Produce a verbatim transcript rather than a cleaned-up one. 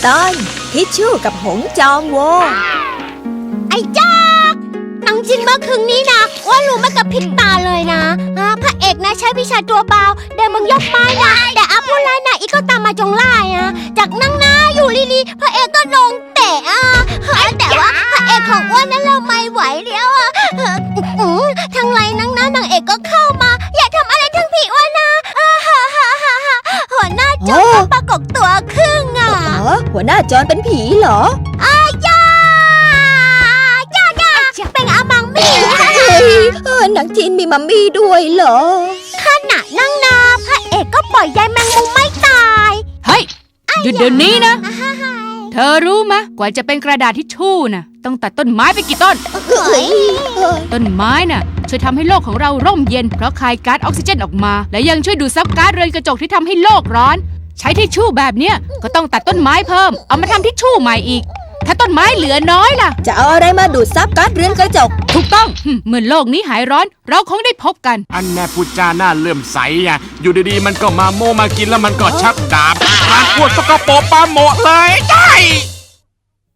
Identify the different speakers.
Speaker 1: ตอนทิชชู่กับหงจองโว
Speaker 2: ไอ้จ๊อกนังจริงเมื่อคืนนี้นะว่ารู้มากับพริบตาเลยนะอ่าพระเอกนะใช้วิชาตัวเบาเดินมึงยกไม้นะแต่อาผู้ร้ายนะอีกก็ตามมาจงไล่อะจากนั่งหน้าอยู่ลีๆพระเอกก็ลงเตะอ่ะแต่ว่าพระเอกของอ้วนนั้นเราไม่ไหวแล้วอ่ะทางไรนั่งหน้านางเอกก็เข้ามาอย่าทำอะไรทั้งพี่อ้วนนะหัวหน้าโจรปรากฏตัวครึ่งอ่ะ
Speaker 1: หัวหน้าโจรเป็นผีเหรอ
Speaker 2: อ้ายจ้าจ้าจ้าเป็นอามังมี่
Speaker 1: หนังจีนมีมัมมี่ด้วยเหรอ
Speaker 2: ขณะนั่งนาพระเอกก็ปล่อยยายแมงมุมไม่ตาย
Speaker 3: เฮ้ยหยุดเดี๋ยวนี้นะเธอรู้มะกว่าจะเป็นกระดาษทิชชู่น่ะต้องตัดต้นไม้ไปกี่ต้นต้นไม้น่ะช่วยทำให้โลกของเราร่มเย็นเพราะคายก๊าซออกซิเจนออกมาและยังช่วยดูดซับก๊าซเรือนกระจกที่ทำให้โลกร้อนใช้ทิชชู่แบบเนี้ยก็ต้องตัดต้นไม้เพิ่มเอามาทำทิชชู่ใหม่อีกถ้าต้นไม้เหลือน้อยล่ะ
Speaker 1: จะเอาอะไรมาดูดซับก๊าซเรือนกระจก
Speaker 3: ถูกต้องเมื่อโลกนี้หายร้อนเราคงได้พบกัน
Speaker 4: อันแน่พูดจาหน้าเลื่อมใสอ่ะอยู่ดีๆมันก็มาโมมากินแล้วมันก็ชักดาบมันปวดสกปรกปาโมะเลยใช่